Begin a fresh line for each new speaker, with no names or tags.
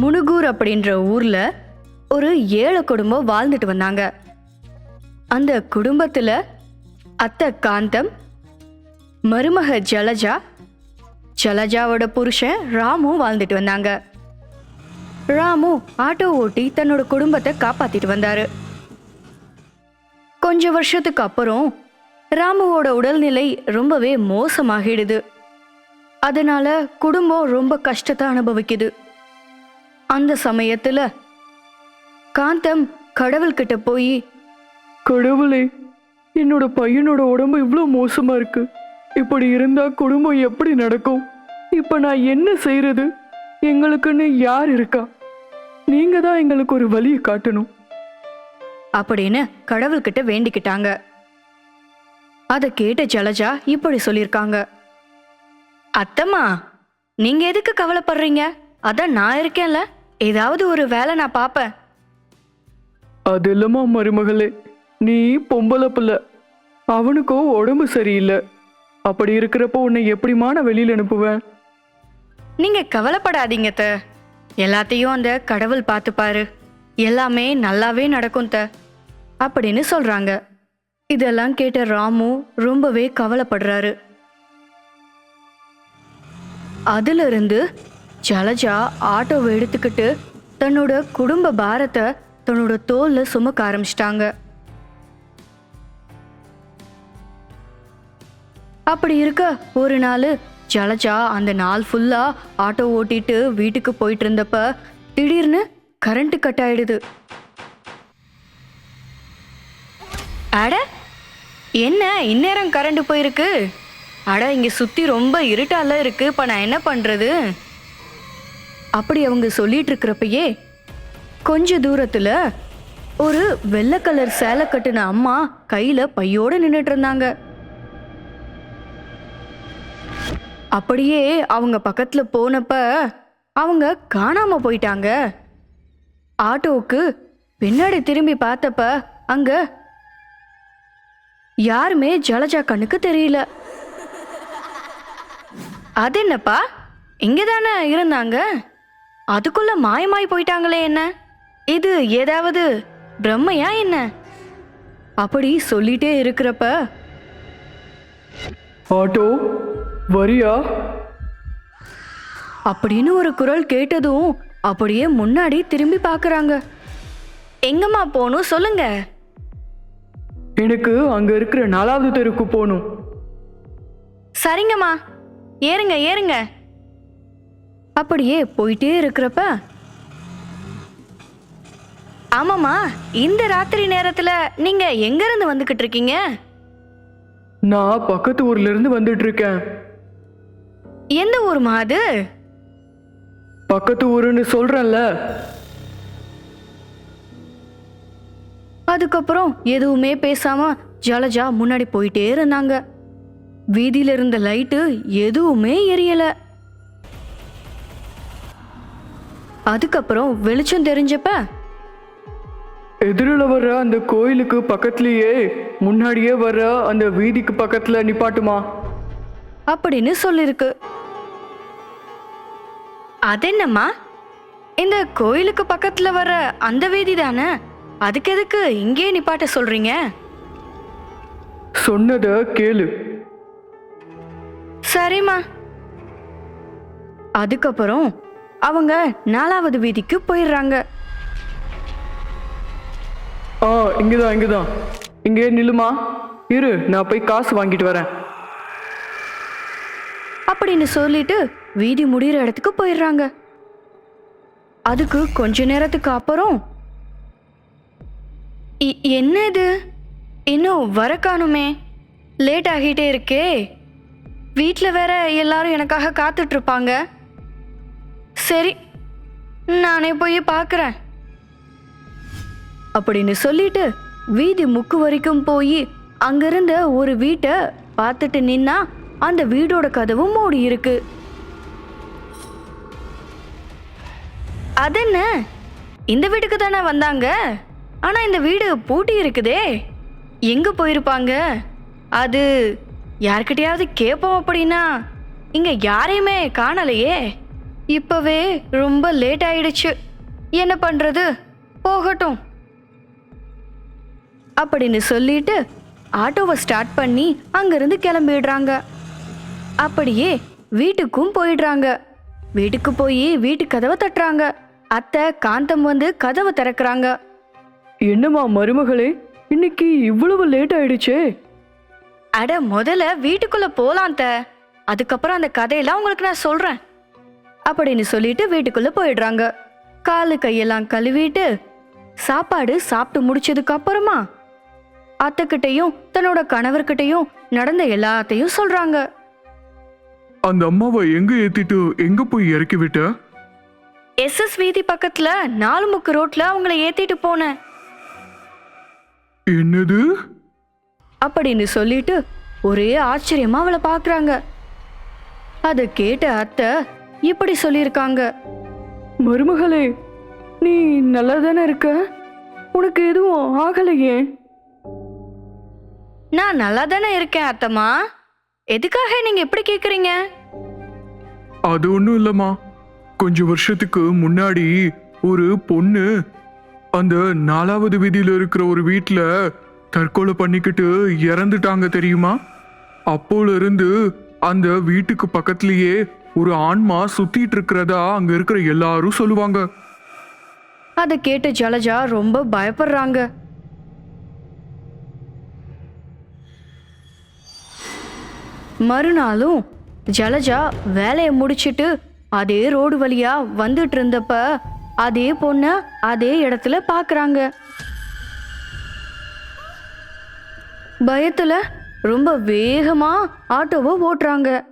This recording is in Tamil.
முனுகூர் அப்படின்ற ஊர்ல ஒரு 7 குடும்பம் வாழ்ந்துட்டு வந்தாங்க. அந்த குடும்பத்துல அத்தை காந்தம், மருமக ஜலஜா, ஜலஜாவோட புருஷன் ராமு வாழ்ந்துட்டு வந்தாங்க. ராமு ஆட்டோ ஓட்டி தன்னோட குடும்பத்தை காப்பாத்திட்டு வந்தாரு. கொஞ்ச வருஷத்துக்கு அப்புறம் ராமுவோட உடல்நிலை ரொம்பவே மோசமாகிடுது. அதனால குடும்பம் ரொம்ப கஷ்டத்தை அனுபவிக்குது. அந்த சமயத்துல காந்தம் கடவுள்கிட்ட போய்,
கடவுளே, என்னோட பையனோட உடம்பு இவ்வளோ மோசமா இருக்கு. இப்படி இருந்தா குடும்பம் எப்படி நடக்கும்? இப்ப நான் என்ன செய்யறது? எங்களுக்குன்னு யார் இருக்கா? நீங்க தான் எங்களுக்கு ஒரு வழியை காட்டணும்
அப்படின்னு கடவுள்கிட்ட வேண்டிக்கிட்டாங்க. அதை கேட்ட ஜலஜா இப்படி சொல்லியிருக்காங்க. அத்தம்மா, நீங்க எதுக்கு கவலைப்படுறீங்க? அதான் நான் இருக்கேன்ல, ஏதாவது ஒரு வேலை நான் பாப்பேன்.
அது இல்லம்மா மருமகளே, நீ பொம்பளை பிள்ளை, அவனுக்கோ உடம்பு சரியில்லை. அப்படி இருக்கிறப்போ உன்னை எப்படிமா நான் வெளியில அனுப்புவேன்?
நீங்க கவலைப்படாதீங்க த, எல்லாத்தையும் அந்த கடவுள் பார்த்துப்பாரு. எல்லாமே நல்லாவே நடக்கும் த அப்படின்னு சொல்றாங்க. இதெல்லாம் கேட்ட ராமு ரொம்பவே கவலைப்படுறாரு. அதுல இருந்து ஜலஜா ஆட்டோவை எடுத்துக்கிட்டு தன்னோட குடும்ப பாரத்தை தன்னோட தோல்ல சுமக்க ஆரம்பிச்சிட்டாங்க. அப்படி இருக்க ஒரு நாள் ஜலஜா அந்த நாள் ஃபுல்லா ஆட்டோ ஓட்டிட்டு வீட்டுக்கு போயிட்டு இருந்தப்ப திடீர்னு கரண்ட் கட் ஆயிடுது. அட, என்ன இந்நேரம் கரண்ட் போயிருக்கு? அட, இங்க சுத்தி ரொம்ப இருட்டால இருக்கு, இப்ப நான் என்ன பண்றது? அப்படி அவங்க சொல்லிட்டு இருக்கிறப்பயே கொஞ்ச தூரத்துல ஒரு வெள்ளை கலர் சேலை கட்டுன அம்மா கையில பையோட நின்னுட்டு இருந்தாங்க. அப்படியே அவங்க பக்கத்துல போனப்ப அவங்க காணாம போயிட்டாங்க. ஆட்டோவுக்கு பின்னாடி திரும்பி பார்த்தப்ப அங்க யாருமே ஜலஜா கண்ணுக்கு தெரியல. அது என்னப்பா, இங்கதானே இருந்தாங்க, அதுக்குள்ள மாயமாய் போயிட்டாங்களே, என்ன இது? ஏதாவது பிரம்மையா என்ன? அப்படி சொல்லிட்டே இருக்கிறப்ப,
ஆட்டோ வரியா
அப்படின்னு ஒரு குரல் கேட்டதும் அப்படியே முன்னாடி திரும்பி பார்க்கறாங்க. எங்கம்மா போகணும் சொல்லுங்க.
எனக்கு அங்க இருக்கிற 4வது தெருக்கு போகணும்.
சரிங்கம்மா, ஏறுங்க ஏறுங்க. அப்படியே போயிட்டே இருக்கிறப்ப, ஆமாம்மா, இந்த ராத்திரி நேரத்துல நீங்க எங்க இருந்து வந்துகிட்டு இருக்கீங்க?
நான் பக்கத்து ஊர்ல இருந்து வந்துட்டு இருக்கேன்.
எந்த ஊர்மா அது?
பக்கத்து ஊருன்னு சொல்றேன்ல.
அதுக்கப்புறம் எதுவுமே பேசாம ஜலஜா முன்னாடி போயிட்டே இருந்தாங்க. வீதியில இருந்த லைட்டு எதுவுமே எரியல. அதுக்கப்புறம் வெளிச்சம் தெரிஞ்சப்ப,
எதிரில் வர்ற அந்த கோயிலுக்கு பக்கத்துலயே முன்னாடியே வர்ற அந்த வீதிக்கு பக்கத்துல நிப்பாட்டுமா
அப்படின்னு சொல்லிருக்கு. அதென்னம்மா, இந்த கோயிலுக்கு பக்கத்துல வர அந்த வீதி தானே, அதுக்கு எதுக்கு இங்கே நிப்பாட்ட சொல்றீங்க?
சொன்னத கேளு.
சரிம்மா. அதுக்கப்புறம் அவங்க 4வது வீதிக்கு போயிடுறாங்க.
இங்கதான் இங்கே நில்லுமா, இரு, நான் போய் காசு வாங்கிட்டு வரேன்
அப்படின்னு சொல்லிட்டு வீதி முடிகிற இடத்துக்கு போயிடுறாங்க. அதுக்கு கொஞ்ச நேரத்துக்கு அப்புறம், என்ன இது, இன்னும் வர காணுமே, லேட் ஆகிட்டே இருக்கே, வீட்டில் வேற எல்லாரும் எனக்காக காத்துட்டு இருப்பாங்க. சரி, நானே போய் பார்க்குறேன் அப்படின்னு சொல்லிட்டு வீதி முக்கு வரைக்கும் போய் அங்கிருந்த ஒரு வீட்டை பார்த்துட்டு நின்னா அந்த வீடோட கதவும் மூடி இருக்கு. அதென்ன, இந்த வீட்டுக்கு தானே வந்தாங்க, ஆனா இந்த வீடு பூட்டி இருக்குதே, எங்க போயிருப்பாங்க? அது யார்கிட்டயாவது கேட்போம் அப்படின்னா இங்க யாரையுமே காணலையே இப்பவே ரொம்ப லேட் ஆயிடுச்சு. என்ன பண்றது? போகட்டும் அப்படின்னு சொல்லிட்டு ஆட்டோவை ஸ்டார்ட் பண்ணி அங்கிருந்து கிளம்பிடுறாங்க. அப்படியே வீட்டுக்கும் போயிடுறாங்க. வீட்டுக்கு போய் வீட்டு கதவை தட்டுறாங்க. அத்தை காந்தம் வந்து கதவை திறக்கிறாங்க.
என்னம்மா மருமகளே, இன்னைக்கு இவ்வளவு லேட் ஆயிடுச்சே?
அட முதல்ல வீட்டுக்குள்ள போலாம் அத்தை, அதுக்கப்புறம் அந்த கதையெல்லாம் உங்களுக்கு நான் சொல்றேன் அப்படின்னு சொல்லிட்டு வீட்டுக்குள்ள போயிடுறாங்க. காலு கையெல்லாம் கழுவிட்டு சாப்பாடு சாப்பிட்டு முடிச்சதுக்கு அப்புறமா அத்தைக்கிட்டையும் தன்னோட கணவர்கிட்டையும் நடந்த எல்லாத்தையும் சொல்றாங்க.
அந்த அம்மாவை எங்க ஏத்திட்டு எங்க போய் இறக்கி விட்ட?
SS வீதி பக்கத்துல 4 முக்கு ரோட்ல அவங்கள ஏத்திட்டு போனேன்
என்னது?
அப்படின்னு சொல்லிட்டு ஒரே ஆச்சரியமா அவளை பாக்குறாங்க. அதை கேட்ட அத்தை இப்படி சொல்லியிருக்காங்க.
மருமகளே, நீ நல்லா தானே இருக்க? உனக்கு எதுவும் ஆகலையே?
நான் நல்லா தானே இருக்கேன் அத்தம்மா, எதுக்காக நீங்க எப்படி கேக்குறீங்க?
அது ஒண்ணும் இல்லம்மா. கொஞ்சம் வருஷத்துக்கு முன்னாடி ஒரு பொண்ணு அந்த 4வது வீதியில இருக்கிற ஒரு வீட்டுல தற்கொலை பண்ணிக்கிட்டு இறந்துட்டாங்க தெரியுமா? அப்போல இருந்து அந்த வீட்டுக்கு பக்கத்திலேயே ஒரு ஆன்மா சுத்திட்டு இருக்கிறதா அங்க இருக்கிற எல்லாரும் சொல்லுவாங்க.
அதை கேட்டு ஜலஜா ரொம்ப பயப்படுறாங்க. மறுநாளும் ஜலஜா வேலையை முடிச்சிட்டு அதே ரோடு வழியா வந்துட்டு இருந்தப்ப அதே பொண்ண அதே இடத்துல பாக்குறாங்க. பயத்துல ரொம்ப வேகமா ஆட்டோவை ஓட்டுறாங்க.